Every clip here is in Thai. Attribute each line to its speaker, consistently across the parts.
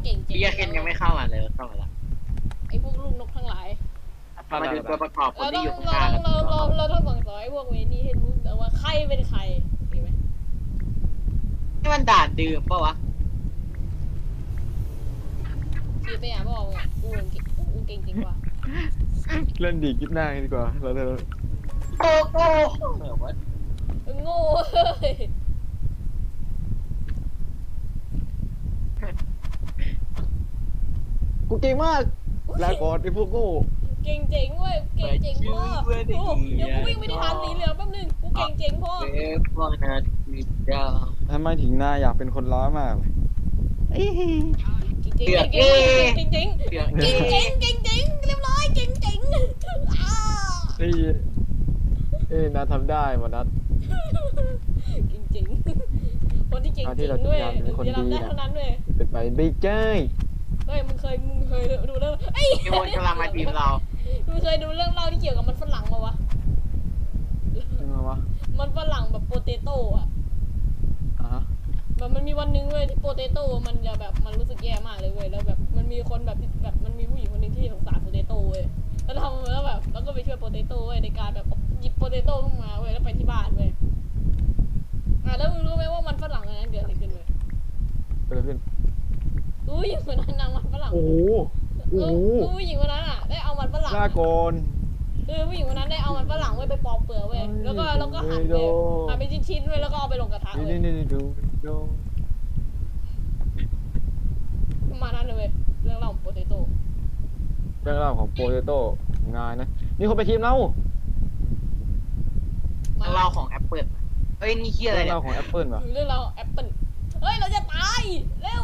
Speaker 1: เก่งจริง
Speaker 2: พี่เคนยังไม่เข้ามาเลยเข้ามาละ
Speaker 1: ไอ้พวกลูกนกทั้งหลาย
Speaker 2: มาดูตัวประกอบคน
Speaker 1: เราต้อ
Speaker 2: ที่
Speaker 1: ง
Speaker 2: อยู่ข้างหน้ากัน
Speaker 1: เราต้องสั่งสอนไอ้พวกเวนี่ให้รู้แต่ว่าใครเป็นใครเห็นไหม
Speaker 2: นี่มันด่านดื่มปะวะ
Speaker 1: ชีไปอ่ะบอกอ่ะกูเก่งจริงว่ะ
Speaker 3: เล่นดีคลิปหน้าดีกว่าเรา
Speaker 2: โอ้โหวะ
Speaker 1: โง่เฮ้ย
Speaker 3: กูเก่งมากลาก่อนไอ้พวกโง่
Speaker 1: เก่งเจ๋งเว้ยเก่งเจ๋งพ่อเดี๋ยวกูวิ่งไปที่ฐานสีเหลืองแป๊บนึงกูเก่งเจ๋งพ่อ
Speaker 2: เว็บพ่อนะวิดา
Speaker 3: ทำไมถึงหน้าอยากเป็นคนร้ายมาก
Speaker 1: เก่งเจ๋งเก่งเจ๋งเก่งเจ๋งเก่งเจ๋งเรียบร้อยเก่งเจ๋ง
Speaker 3: นี่นาทำได้หมดนัด
Speaker 1: เก่งเจ๋งคนที่เก่งจริงเว้ยจะทำได้เท่านั้นเว้ย
Speaker 3: เป็นไปได้ใจ
Speaker 1: เฮ้ยมึงเคยดูเรื่องไอ้
Speaker 2: มีคนกำลังมาทีมเรา
Speaker 1: มึงเคยดูเรื่องเล่าที่เกี่ยวกับมันฝรั่งมาวะ
Speaker 3: ยังไงวะ
Speaker 1: มันฝรั่งแบบโปเตโต้อะ แบบมันมีวันนึงเว้ยที่โปเตโต้มันจะแบบมันรู้สึกแย่มากเลยเว้ยแล้วแบบมันมีคนแบบมันมีผู้หญิงคนนึงที่สงสารโปเตโต้เว้ยแล้วทำแล้วแบบแล้วก็ไปช่วยโปเตโต้เว้ยในการแบบหยิบโปเตโต้ขึ้นมาเว้ยแล้วไปที่บ้านเว้ยแล้วมึงรู้ไหมว่ามันฝรั่งอันนั้นเกิดอะไรขึ้นเว้ย
Speaker 3: เกิดอะไรขึ้น
Speaker 1: อุ้ยคนนั้นนางมันฝรั่ง
Speaker 3: โอ้โหโอ้โห
Speaker 1: ผู้หญิงคนนั้นอ่ะได้เอามันฝรั่ง
Speaker 3: ลาก่อน
Speaker 1: ผู้หญิงคนนั้นได้เอามันฝรั่งเว้ยไปปอกเปลือกเว้ยแล้วก็หั่นเว้ยหั่นเป็นชิ้นๆเว้ยแล้วก็เอาไปลงกระทะเว้ย
Speaker 3: นี่ดู
Speaker 1: ประมาณนั้นเลยเว้ยเรื่องเล่าของโปเตโต้
Speaker 3: เรื่องราวของโปเตโต้งานนะนี่คนไปทีมเรา
Speaker 2: เราของแอปเปิลเฮ้ยนี่เฮียอะไร
Speaker 3: เรื่อง
Speaker 2: เนี่ย
Speaker 3: ราวของแอปเปิลว่ะ
Speaker 1: เรื่องเราแอปเปิลเฮ้ยเราจะตายเร็ว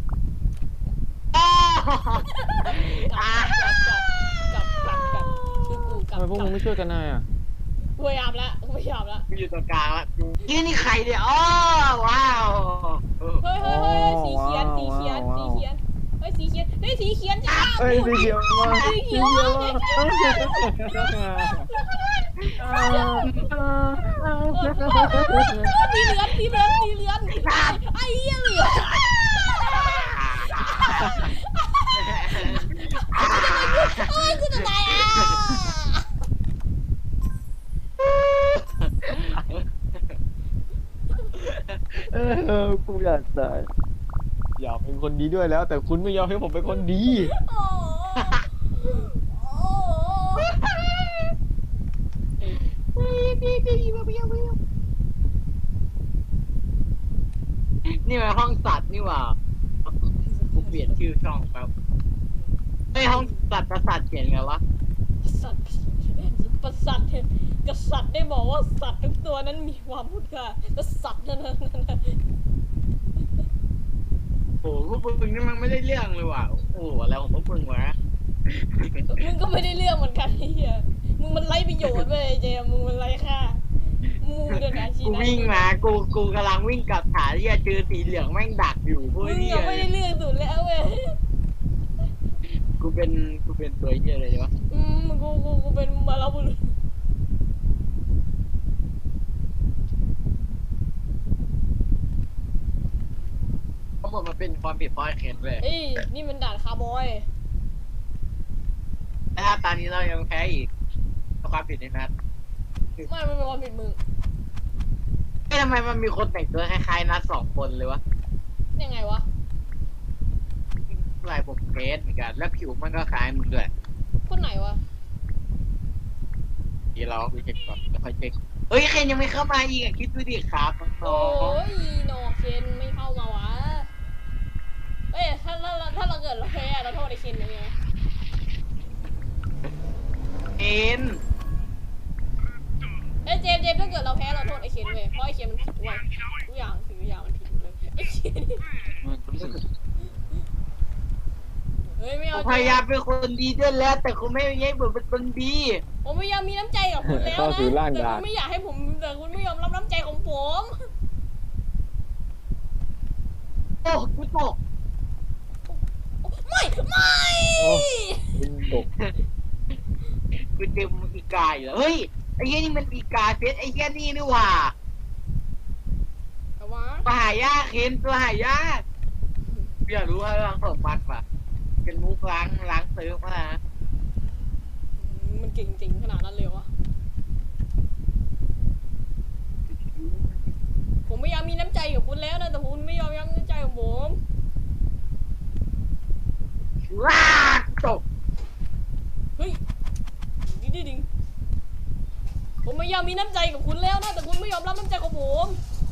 Speaker 1: กลับคือกูกลับ
Speaker 3: ทำไมพวกมึงไม่ช่วยกันนายอ่ะ
Speaker 1: พยายามแล้ว
Speaker 2: กูอยู่ตรงกลางละยี่นี่ใครเนี่ยอ๋อว้าว
Speaker 1: เฮ้ยสีเขียนเฮ้ยสีเขียนสีเขียนจ้า
Speaker 3: เอ้ยสีเขียวมา
Speaker 1: สีเขียวสีเหลืองไอ้เหี้ยเหลืองโอ้ยกูจะตายอ่ะ
Speaker 3: กูอยากตายอยากเป็นคนดีด้วยแล้ว แต่คุณไม่ยอมให้ผมเป็นคนดี
Speaker 2: นี่มันห้องสัตว์นี่หว่ากูเปลี่ยนชื่อช่องแป๊บไอห้องสัตว์ประสาทเขียนไงวะ
Speaker 1: สัตว์ประสัตว์กษัตริย์ได้บอกว่าสัตว์ทุกตัวนั้นมีความพูดค่าแต่สัตว์นั่น
Speaker 2: โอ้โหพวกมึงนี่มันไม่ได้เรื่องเลยว่ะโอ้โหอะไรของพวกมึงวะ
Speaker 1: มึงก็ไม่ได้เรื่องเหมือนกันไอ้เหี้ยมึงมันไร้ประโยชน์เว้ยเจมมึงมันไร้ค่ามูเดินอาชีพ
Speaker 2: กูวิ่งมากูกำลังวิ่งกลับฐานที่จะเจอสีเหลืองแม่งดักอยู่พวก
Speaker 1: มึง
Speaker 2: นี้
Speaker 1: ยังไม่ได้เรื่องสุดแล้วเว้ย
Speaker 2: กูเป็นตัวเหี้ยอะไรวะ
Speaker 1: มึงกูเป็นมาลาบุรุษ
Speaker 2: ทั้งหมดมันเป็นความผิดพลาดเคนเลย
Speaker 1: เอ้ยนี่มันด่านคาร์บอย
Speaker 2: แต่ถ้าตอนนี้เรายังแพ้อีกความผิดในนัด
Speaker 1: ไม่มันเป็นความผิดมึง
Speaker 2: ทำไมมันมีคนแต่งตัวคล้ายๆนัด2 คนเลยวะ
Speaker 1: ยังไงวะ
Speaker 2: ลายผมเกสเหมือนกันแล้วผิวมันก็คล้ายมึงด้วย
Speaker 1: คนไหนวะ
Speaker 2: เดี๋ยวเราไปเช็คก่อนแล้วค่อยเช็คเฮ้ยเคนยังไม่เข้ามาอีกอะคิดดูดิครับน้
Speaker 1: โอ้
Speaker 2: อง
Speaker 1: ยโนเคนไม่เข้ามาวะเอ้ยถ้าเราเกิดเราแพ้เราโทษไอ้เคนยังไง
Speaker 2: ๆเคน
Speaker 1: เอ้ยเจมถ้าเกิดเราแพ้เราโทษไอ้เคนเว้ยเพราะไอ้เคนมันผิดเว้ยทุกอย่างมันผิดเลยไอ้เคนเฮ้ยไม่
Speaker 2: ผ
Speaker 1: เอา
Speaker 2: มพยายามเป็นคนดีด้วยแล้ว แต่คุณไม่ให้ผมเป็นคนดี
Speaker 1: ผมพยายามมีน้ำใจกับคุณแล้ว
Speaker 3: เข้า
Speaker 1: นะ
Speaker 3: สู่ร่าง
Speaker 1: แต่
Speaker 3: ดา
Speaker 1: คุ
Speaker 3: บ
Speaker 1: ณไม่อยากให้ผมแต่คุณไม่ยอมรับน้ำใจของผม
Speaker 2: โอ้กูตก
Speaker 1: ไม่
Speaker 3: คุณตก
Speaker 2: กูเจออีกาอยู่แล้วเฮ้ยไอ้เหี้ยนี่มันอีกาเซตไอ้เหี้ยนี่นี่หว่า
Speaker 1: แต่ว่า
Speaker 2: ตัวหายากเคนตัวหายากเอยากรู้ว่าล้างสมบัติป่ะเป็นมุกล้างเซิร์ฟมา
Speaker 1: มันเก่งจริงขนาดนั้นเลยวะผมพยายามมีน้ำใจกับคุณแล้วนะแต่คุณไม่ยอมยั้งน้ำใจของผม
Speaker 2: ว้าตก
Speaker 1: เฮ้ยดิงผมพยายามมีน้ำใจกับคุณแล้วนะแต่คุณไม่ยอมรับน้ำใจของผม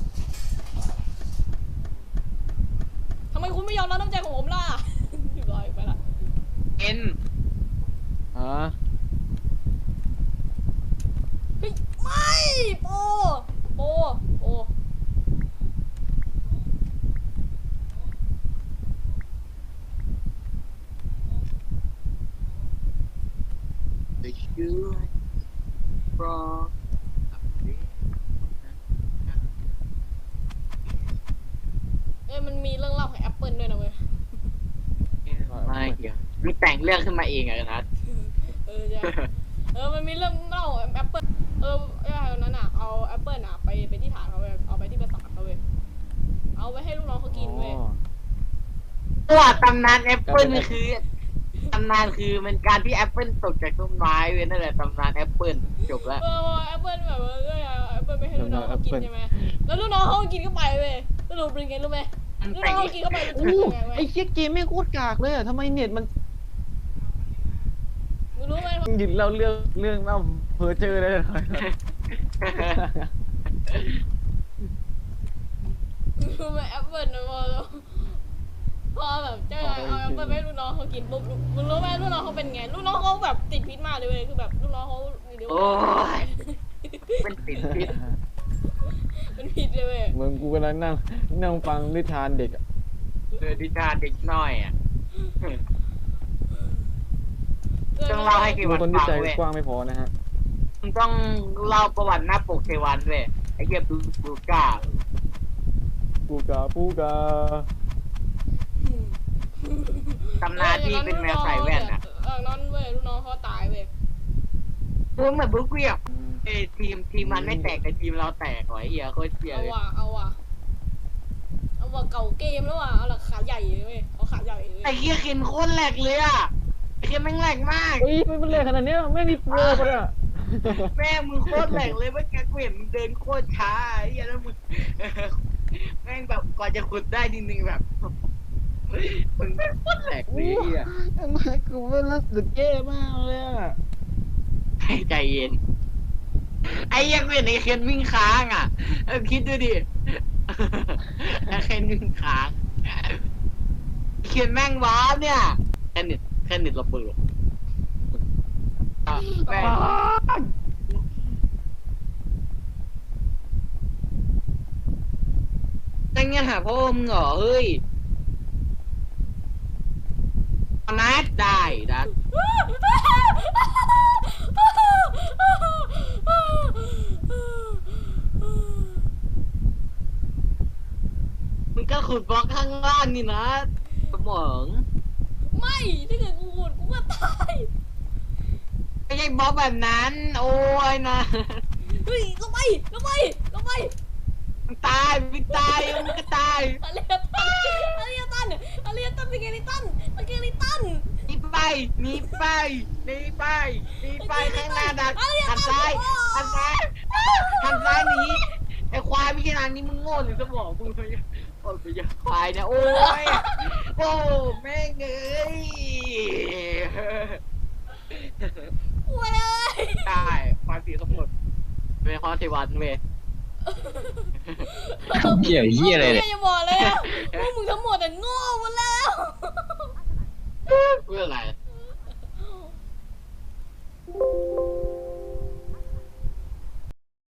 Speaker 1: ทำไมคุณไม่ยอมรับน้ำใจของผมล่ะเรียบร้อยไปละ
Speaker 2: เอ็น
Speaker 3: ฮะ
Speaker 1: เฮ้ยไม่โปโป
Speaker 2: ไปช่วยรอ
Speaker 1: มันมีเรื่องเล่าของแอปเปิลด้วยนะเว้ย
Speaker 2: ไม่เกี่ยวมีแต่งเรื่องขึ้นมาเองอะนะ
Speaker 1: ใช่มันมีเรื่องเล่าแอปเปิลวันนั้นอ่ะเอาแอปเปิลอ่ะไปที่ฐานเขาเว้ยเอาไปที่ปราสาทเขาเว้ยเอาไปให้ลูกน้องเขากินเว้ย
Speaker 2: ตัวตำนานแอปเปิลคือตำนานคือมันการที่แอปเปิลตกจากต้นไม้เว้ยนั่นแหละตำนานแอปเปิลจบแล้ว
Speaker 1: แอปเปิลแบบว่าแอปเปิลไม่ให้ลูกน้องเขากินใช่ไหมแล้วลูกน้องเขากินเข้าไปเว้ยสรุปเป็นไงรู้ไหมลูกน้องเขากินเข้าไปเป็น
Speaker 3: โอ้
Speaker 1: ยังไงเว้ย
Speaker 3: ไอ้เชี่ยเกมไม่งโคตรกากเลยอะทำไมเน็ตมัน
Speaker 1: มึงรู้ไหม
Speaker 3: หยุดเล่าเรื่องเล่าเพ้อเจอได้เลย
Speaker 1: รู้ไหมแอปเปิลนะพอแบบเจ้าเอาแอปเปิลให้ลูกน้องเขากินปุ๊บมึงรู้ไหมลูกน้องเขาเป็นไงลูกน้องเขาแบบติดพิษมากเลยเว้ยคือแบบลูกน้องเขาเดี๋ยว
Speaker 2: โอ้ยเป็นติดพิษ
Speaker 1: เป็นพิษเลยเว้ย
Speaker 3: เหมือนกูกำลังนั่งฟังนิทานเด็กอะ
Speaker 2: ดิจาเด็กน้อยอ่ะต้องเล่าให้กี่
Speaker 3: ดู
Speaker 2: วัน
Speaker 3: คนที่
Speaker 2: ฟัง
Speaker 3: ใจ
Speaker 2: เว้ย
Speaker 3: กว้างไม่พอนะฮะ
Speaker 2: มึงต้องเล่าประวัติหน้าปกเทวันเว้ยไอ้เหี้ยบูก้า
Speaker 3: ปูกา
Speaker 2: ตำนานที่เป็นแมวใส่แว่นอ่ะ
Speaker 1: นั้นเว้ยลูกน้องเขาตายเว้ย
Speaker 2: มึงเหมือนบุ๊กเวียบไอ้ทีมมันไม่แตกแต่ทีมเราแตกว่ะไอ้เหี้ยโคตรเสียเลย
Speaker 1: เอาว่ะเก่าเกมแล้วว่ะเอาละขาใหญ่เลยเว้ยเอาขาใหญ่เลย
Speaker 2: ไอ้เหี้ยเคนโคตรแหลกเลยอ่ะไอ้เคนแม่งแหลกมาก
Speaker 3: เฮ้ยมันเลยขนาดนี้ไม่มีโปรปะเนี่ย
Speaker 2: แม่มึงโคตรแหลกเลยเมื่อกี้กูเห็นมึงเดินโคตรช้าไอ้เหี้ยแล้วมึงแม่งแบบกว่าจะขุดได้นิดนึงแบบมึงแม่งโคตรแหลกเลยไอ้เหี้ย
Speaker 3: ทำไมกูไม่รู้สึกแย่มากเลยอะ
Speaker 2: ให้ใจเย็นไอ้เหี้ยังเห็นไอ้เคนวิ่งค้างอ่ะคิดดูดิไอ้เคนวิ่งค้างเคนแม่งว้าร์ปเนี่ยแค่นิดระเบิดแม่งตั้งยังหาพ่อมึงเหรอเฮ้ยนัดได้ดัดมึงก็ขุดบล็อกข้างล่างนี่นะสมอง
Speaker 1: ไม่ถ้าเกิดกูขุดกูก็ตาย
Speaker 2: ไม่ใช่บล็อกแบบนั้น โอ้ยนะ
Speaker 1: เฮ้ยลงไป
Speaker 2: มึงตายมึงตายมึงก็ตาย
Speaker 1: อาเรียตันสเกลิตัน
Speaker 2: หนีไปหนีไปหนีไปหนีไปข้างหน้าดักหันซ้ายหันซ้ายหนีไอ้ควายไม่ใช่นางนี่มึงโง่หรือสมองมึงเลยโอ้ยไปอย่าควายนะโอ้ยโอ้แม่งเอ้ย
Speaker 1: เว้ย
Speaker 2: ได้ความผิดทั้งหมดเป็นข้อเทวันเว้ย
Speaker 4: เหี้ยเหี้ยอะไรเนี่ย
Speaker 1: อย่าบอกเลยอะพวกมึงทั้งหมดแต่โง่หมดแล้ว
Speaker 2: เพื่ออะไร